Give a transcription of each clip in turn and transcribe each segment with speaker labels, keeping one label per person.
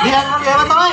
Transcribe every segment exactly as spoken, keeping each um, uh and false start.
Speaker 1: เรียนครับเรียนมาต่อย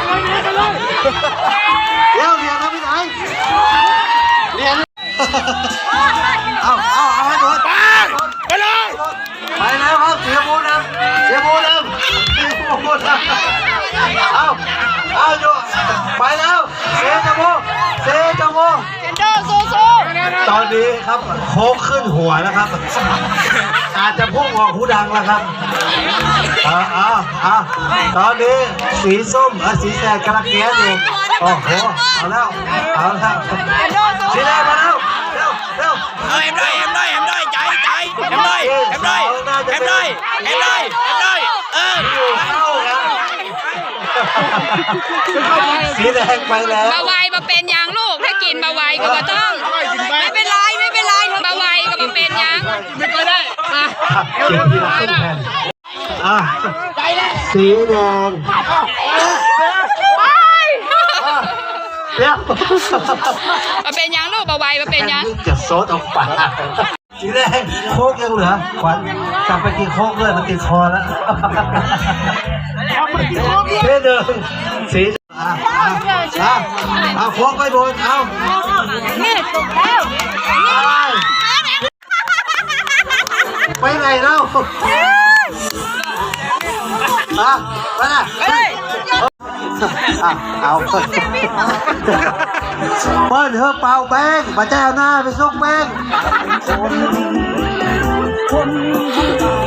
Speaker 1: เดี๋ยวเรียนครับพี่ไหนเรียนเอาเอาเอาให้โดนไปเลยไปแล้วครับเสียบูนะเสียบูนะเสียบูนะเอาเอาอยู่ไปแล้วเสียจมูกเสียจมูกตอนนี้ครับโค้งขึ้นหัวแล้วครับอาจจะพุ่งออกหูดังแล้วครับอ่าอ่าอ่าตอนนี้สีส้มสีแดงกระเกียดอยู่โอ้โหเอาแล้วเอาแล้วสีแดงมาแล้วเร็วเร็ว
Speaker 2: เอ็มได้เอ็มได้เอ็มได้ใจใจเอ็มได้เอ็มได้เอ็มได้เอ็มได้เอ็มได้เออ
Speaker 1: เข้าครับสีแดงไปแล้ว
Speaker 3: บาไวมาเป็นยางลูกถ้ากินบาไวก็มาต้องไม่เป็นไรไม่เป็นไรบาไวก็มาเป็นยางไม่ก็ได้มา
Speaker 1: เก็บทีละครึ่งแผ่นอ่ะสีแดงเดี๋ยว
Speaker 3: มาเป็นยางลูกบาไวมาเป็นยาง
Speaker 1: จะโซดออกปากสีแดงโคกยังเหลือขวัญกลับไปกินโคกเลยมันติดคอแล้วเท่เดิมสีอ่ะอ่ะเอาโคกไปบนเอา
Speaker 3: นี่ตกแล้ว
Speaker 1: ไปไหนเล่าอ่ะไปไหนเอาเปิ้ลเธอเป่าแป้งมาแจ้วหน้าไปส่งแป้ง